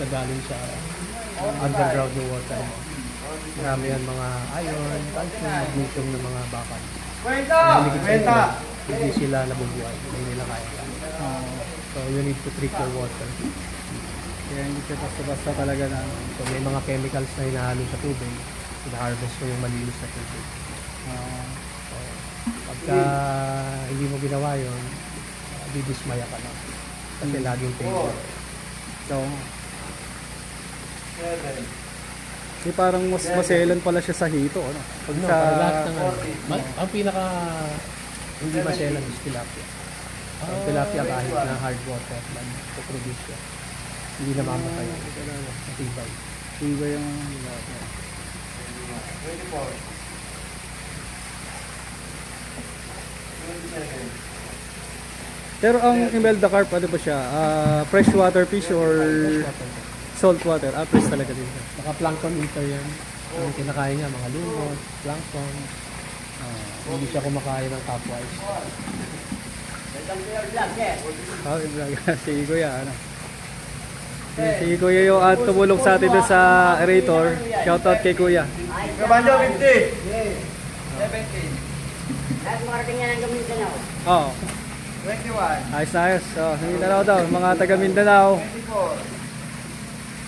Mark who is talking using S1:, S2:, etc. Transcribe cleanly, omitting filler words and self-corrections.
S1: ka galing sa underground ng water. Marami yan mga iron, calcium, magnesium ng mga bakal. Hindi sila nabubuhay, hindi nila kaya. So you need to treat your water.
S2: Kaya hindi siya basta-basta talaga na.
S1: So may mga chemicals na hinahalo sa tubig, ina-harvest mo yung malinis na tubig. So pagka hindi mo ginawa yun, didismaya ka na. Kasi laging failure.
S2: So, di parang mas maselan pala siya sa hito, ano? Pag
S1: No,
S2: sa
S1: para lahat ng ang pinaka hindi maselan is tilapia. Ang tilapia kahit na hard water, mag-produce siya. Hindi na mamatay. Matibay.
S2: iba yung pero ang Imelda carp, ano ba siya? Freshwater fish or saltwater? Fresh talaga din siya.
S1: Naka-plankton eater yan. Ang kinakain niya, mga lumot, plankton. Hindi siya kumakain ng capwise.
S2: Si Kuya, ano? Si Kuya yung tumulong sa atin doon sa aerator. Shoutout kay Kuya.
S3: Kabanjo 50. 70.
S4: Lahat makarating yan ang Mindanao.
S2: Oo.
S3: 21.
S2: Ayos na ayos. So, Mindanao daw. Mga taga Mindanao.
S3: 24.